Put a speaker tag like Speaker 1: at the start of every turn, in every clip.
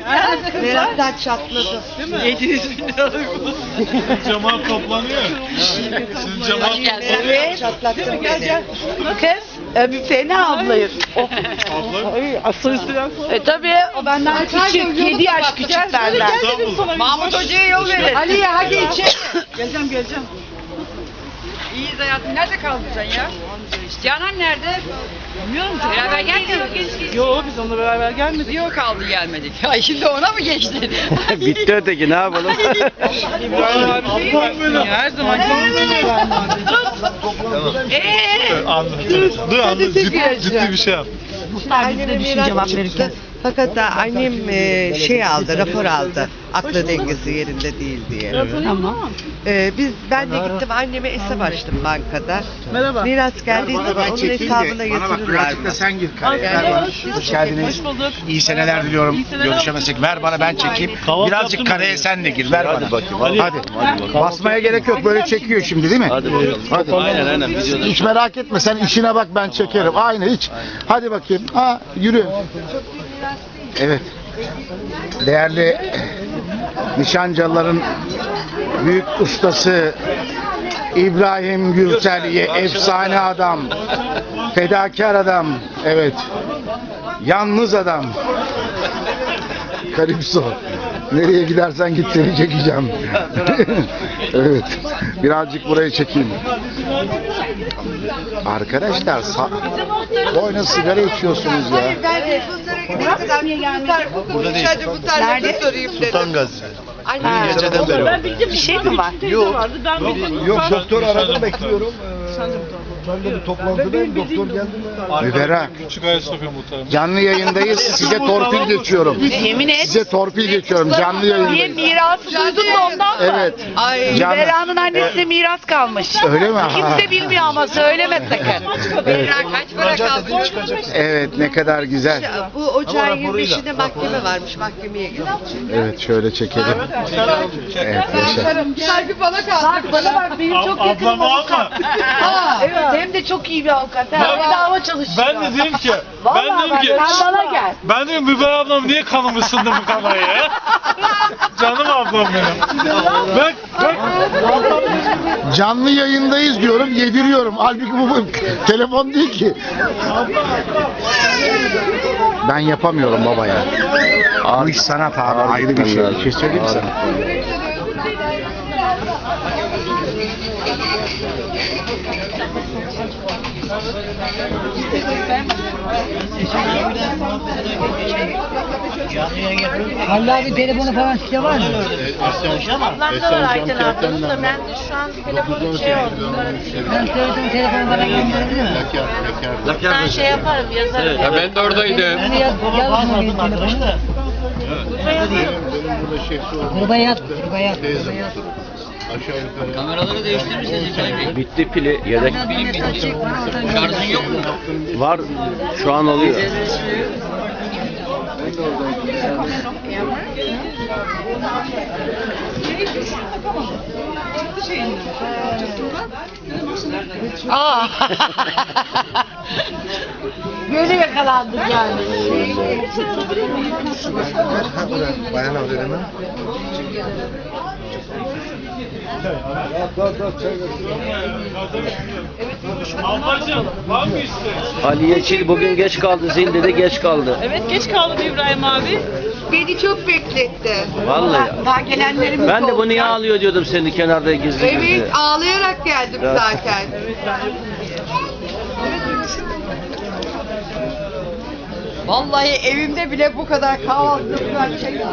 Speaker 1: Meraktan çatladı.
Speaker 2: 700 bin liralık bu.
Speaker 3: Cemal toplanıyor. Sizin Cemal
Speaker 1: Evet. Çatlattın beni.
Speaker 4: Kız, fena ablayız.
Speaker 3: abla.
Speaker 4: Tabii o benden küçük, 7 yaş küçük benden.
Speaker 3: İstanbul.
Speaker 4: Mahmut Hoca'ya yol verin.
Speaker 1: Aliye hadi içeri.
Speaker 2: Geleceğim. İyiyiz hayatım. Nerede kaldın sen ya? Canan nerede? Bilmiyorum ki. Beraber gelmedik.
Speaker 5: Yo biz onunla beraber gelmedik.
Speaker 2: Yok kaldı gelmedik. Ay şimdi ona mı geçti?
Speaker 6: Bitti öteki, ne yapalım?
Speaker 5: İbrahim abi değil mi? Her zaman
Speaker 3: Anladım. Ciddi bir şey yap.
Speaker 1: Anneme miras çıktı. Fakat da annem rapor aldı. Aklı dengesi yerinde değil diye.
Speaker 4: Tamam.
Speaker 1: Ben de gittim anneme hesap açtım bankada.
Speaker 5: Merhaba.
Speaker 1: Miras geldiği zaman onun hesabına yatırırlar.
Speaker 7: Birazcık da sen gir karaya. Ver bana. Hoş geldiniz.
Speaker 5: Hoş bulduk.
Speaker 7: İyi seneler diliyorum.
Speaker 5: İyi seneler.
Speaker 7: Görüşemezsek. Ver bana, ben çekeyim.
Speaker 3: Kahvaltı
Speaker 7: Birazcık
Speaker 3: yaptın mı?
Speaker 7: karaya sen de gir. Ver bana.
Speaker 6: Hadi bakayım.
Speaker 7: Hadi. Basmaya gerek yok. Böyle çekiyor şimdi değil mi?
Speaker 6: Hadi bakalım.
Speaker 7: Hadi.
Speaker 6: Aynen videoda.
Speaker 7: Hiç merak etme. Sen işine bak, ben çekerim. Aynı hiç. Hadi bakayım. Yürü. Evet. Değerli nişancıların büyük ustası İbrahim Gürsel'ye, efsane adam, fedakar adam, evet, yalnız adam. Karipso. Nereye gidersen git, seni çekeceğim. Evet. Birazcık burayı çekeyim. Arkadaşlar boyuna sigara içiyorsunuz ya.
Speaker 1: Burada değil. Nerede?
Speaker 3: Sultan Gazi.
Speaker 6: Geceden beri
Speaker 4: Ben bildim bir şey mi var?
Speaker 5: Yok. Ben bildim.
Speaker 7: Yok, doktor aradım, bekliyorum. Ben de bir toplantıdayım, doktor geldi mi? Müberra,
Speaker 3: Küçük Ayasofya muhtarım.
Speaker 7: canlı yayındayız, size torpil geçiyorum.
Speaker 4: Yemin et.
Speaker 7: Size torpil geçiyorum, canlı
Speaker 4: Niye
Speaker 7: yayındayız.
Speaker 4: mirası duydun da ondan mı?
Speaker 7: Evet. Canlı.
Speaker 4: Bera'nın annesine miras kalmış.
Speaker 7: Öyle mi?
Speaker 4: Kimse bilmiyor ama söyleme sakın.
Speaker 2: Kaç para kaldı?
Speaker 7: Evet, ne kadar güzel.
Speaker 1: Bu ocağın 25'inde mahkeme varmış. Mahkemeye gidecek.
Speaker 7: Evet, şöyle çekelim. Evet, yaşa.
Speaker 1: Saygı bana kaldı.
Speaker 4: Bana bak benim çok yakınım
Speaker 3: Ablamı
Speaker 4: avukat.
Speaker 3: alma.
Speaker 4: Evet hem de çok iyi bir avukat. Bedava çalışıyor.
Speaker 3: Ben de dedim ki,
Speaker 4: Vallahi bak, sen bana gel.
Speaker 3: ben dedim Müber ablam niye kanımı ısındı bu kameraya ya? Canım ablam benim. Bak.
Speaker 7: Canlı yayındayız diyorum, yediriyorum. Halbuki bu telefon değil ki. Ben yapamıyorum baba ya. Bu iş sanat abi, ayrı bir şey. Bir şey söyleyeyim mi sana?
Speaker 4: Halil abi telefonu falan size var mı?
Speaker 1: Ablamda var Ayten ablanın da ben de şu an telefonu şey oldu.
Speaker 4: Ben söyledim telefonu bana gönderebilir mi?
Speaker 1: Ben şey yaparım yazarım.
Speaker 6: Ya ben de oradaydım.
Speaker 4: Hadi yaz telefonu. Burada yaz.
Speaker 2: Kameraları değiştirmişsiniz İbrahim Bey.
Speaker 6: Bitti pili, yedek.
Speaker 2: Şarjın yok mu?
Speaker 6: Var, şu an oluyor.
Speaker 4: Aa. Böyle yakalandık yani.
Speaker 7: Bayan alıyorum hemen.
Speaker 3: Ablacığım var mı isteğin?
Speaker 6: Aliye Çil bugün geç kaldı, zilde de geç kaldı.
Speaker 5: Evet geç kaldım İbrahim abi.
Speaker 1: Beni çok bekletti.
Speaker 6: Vallahi.
Speaker 1: Daha gelenlerimiz
Speaker 6: Ben de bu
Speaker 1: oldu.
Speaker 6: niye ağlıyor diyordum seni kenarda gizli gizli.
Speaker 1: Evet, ağlayarak geldim
Speaker 6: Evet.
Speaker 1: zaten. Vallahi evimde bile bu kadar kahvaltı şey yok.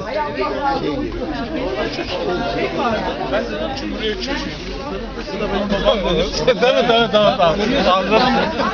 Speaker 3: Tamam. Anladım.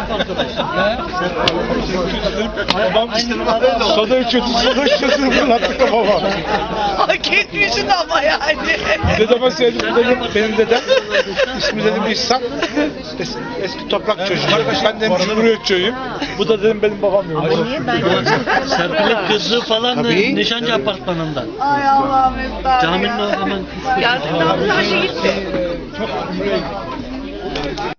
Speaker 3: Babam soda içiyordu fırlattı kafama.
Speaker 1: Hak etmişsin ama yani.
Speaker 7: Dedeme söyledim, benim dedem, ismi dedim İhsan, eski toprak çocuğu. Ben dedim
Speaker 3: Cumhuriyetçiyim. Bu da dedim benim babam yok.
Speaker 8: Serpil'in kızı falan da
Speaker 7: Tabii.
Speaker 8: nişancı apartmanından.
Speaker 1: Ay Allah'ım efendim.
Speaker 8: Caminin o hemen
Speaker 1: Yazıklar olsun, gitti.